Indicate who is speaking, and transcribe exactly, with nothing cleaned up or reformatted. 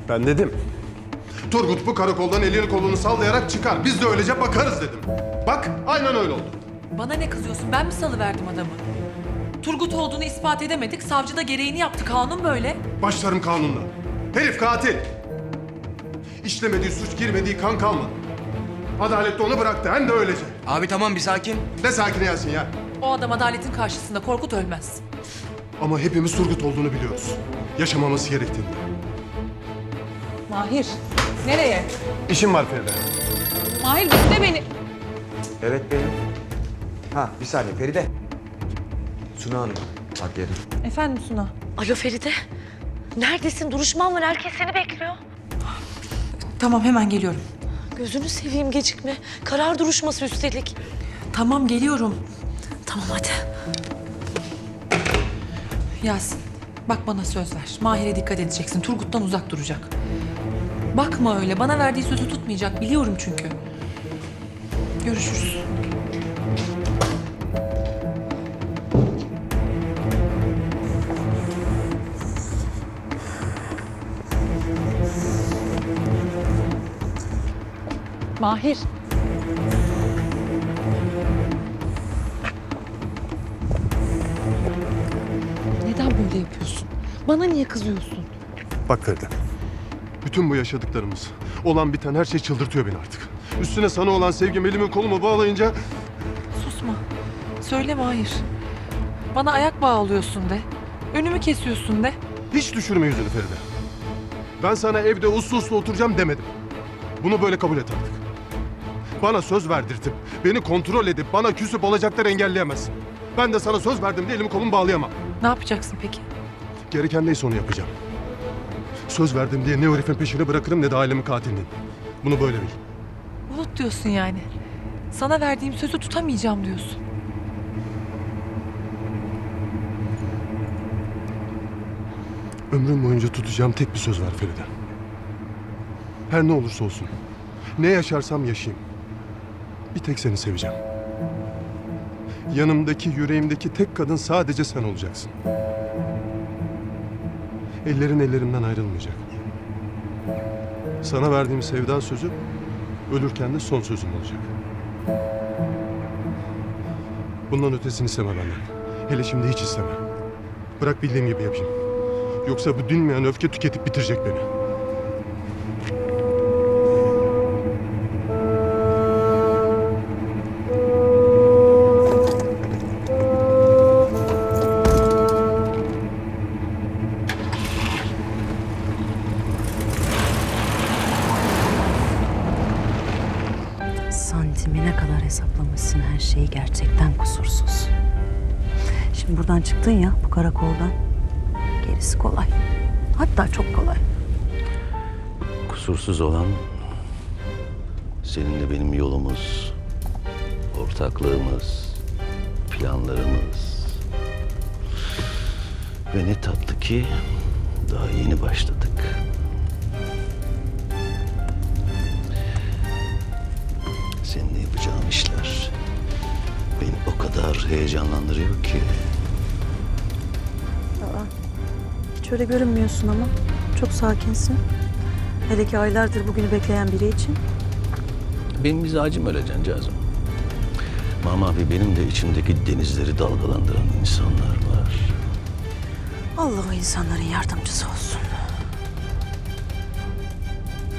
Speaker 1: Ben dedim. Turgut bu karakoldan elini kolunu sallayarak çıkar. Biz de öylece bakarız dedim. Bak aynen öyle oldu.
Speaker 2: Bana ne kızıyorsun? Ben mi salıverdim adamı? Turgut olduğunu ispat edemedik. Savcı da gereğini yaptı. Kanun böyle.
Speaker 1: Başlarım kanunla. Herif katil. İşlemediği suç, girmediği kan kalmadı. Adalet de onu bıraktı, hem de öylece.
Speaker 3: Abi tamam bir sakin.
Speaker 1: Ne sakin Yasin ya.
Speaker 2: O adam adaletin karşısında Korkut ölmez.
Speaker 1: Ama hepimiz Turgut olduğunu biliyoruz. Yaşamaması gerektiğini.
Speaker 2: Mahir, nereye?
Speaker 1: İşim var Feride.
Speaker 2: Mahir bekle beni.
Speaker 3: Evet benim. Ha bir saniye Feride. Suna Hanım. Bak yerim.
Speaker 2: Efendim Suna.
Speaker 4: Alo Feride. Neredesin? Duruşman var. Herkes seni bekliyor.
Speaker 2: Tamam hemen geliyorum.
Speaker 4: Gözünü seveyim gecikme. Karar duruşması üstelik.
Speaker 2: Tamam geliyorum.
Speaker 4: Tamam hadi.
Speaker 2: Yasin bak bana söz ver. Mahir'e dikkat edeceksin. Turgut'tan uzak duracak. Bakma öyle. Bana verdiği sözü tutmayacak. Biliyorum çünkü. Görüşürüz. Mahir. Neden böyle yapıyorsun? Bana niye kızıyorsun?
Speaker 1: Bak Feride. Bütün bu yaşadıklarımız, olan biten her şey çıldırtıyor beni artık. Üstüne sana olan sevgim elimi kolumu bağlayınca...
Speaker 2: Susma. Söyleme hayır. Bana ayak bağlıyorsun de. Önümü kesiyorsun de.
Speaker 1: Hiç düşürme yüzünü Feride. Ben sana evde uslu uslu oturacağım demedim. Bunu böyle kabul et artık. Bana söz verdirtip, beni kontrol edip bana küsüp alacakları engelleyemezsin. Ben de sana söz verdim diye elimi kolumu bağlayamam.
Speaker 2: Ne yapacaksın peki?
Speaker 1: Gereken neyse onu yapacağım. Söz verdim diye ne o herifin peşini bırakırım ne de ailemin katilinin. Bunu böyle bil.
Speaker 2: Unut diyorsun yani. Sana verdiğim sözü tutamayacağım diyorsun.
Speaker 1: Ömrüm boyunca tutacağım tek bir söz var Feride. Her ne olursa olsun, ne yaşarsam yaşayayım. Bir tek seni seveceğim. Yanımdaki, yüreğimdeki tek kadın sadece sen olacaksın. Ellerin ellerimden ayrılmayacak. Sana verdiğim sevda sözü, ölürken de son sözüm olacak. Bundan ötesini isteme benden. Hele şimdi hiç isteme. Bırak bildiğim gibi yapayım. Yoksa bu dinmeyen öfke tüketip bitirecek beni.
Speaker 5: Santimine kadar hesaplamışsın her şeyi, gerçekten kusursuz. Şimdi buradan çıktın ya, bu karakoldan. Gerisi kolay. Hatta çok kolay.
Speaker 6: Kusursuz olan seninle benim yolumuz, ortaklığımız, planlarımız. Ve ne tatlı ki daha yeni başladık. Seninle yapacağım işler beni o kadar heyecanlandırıyor ki.
Speaker 5: Hiç öyle görünmüyorsun ama. Çok sakinsin. Hele ki aylardır bugünü bekleyen biri için.
Speaker 6: Benim mizacım öyle cancağızım. Mamavi benim de içimdeki denizleri dalgalandıran insanlar var.
Speaker 5: Allah o insanların yardımcısı olsun.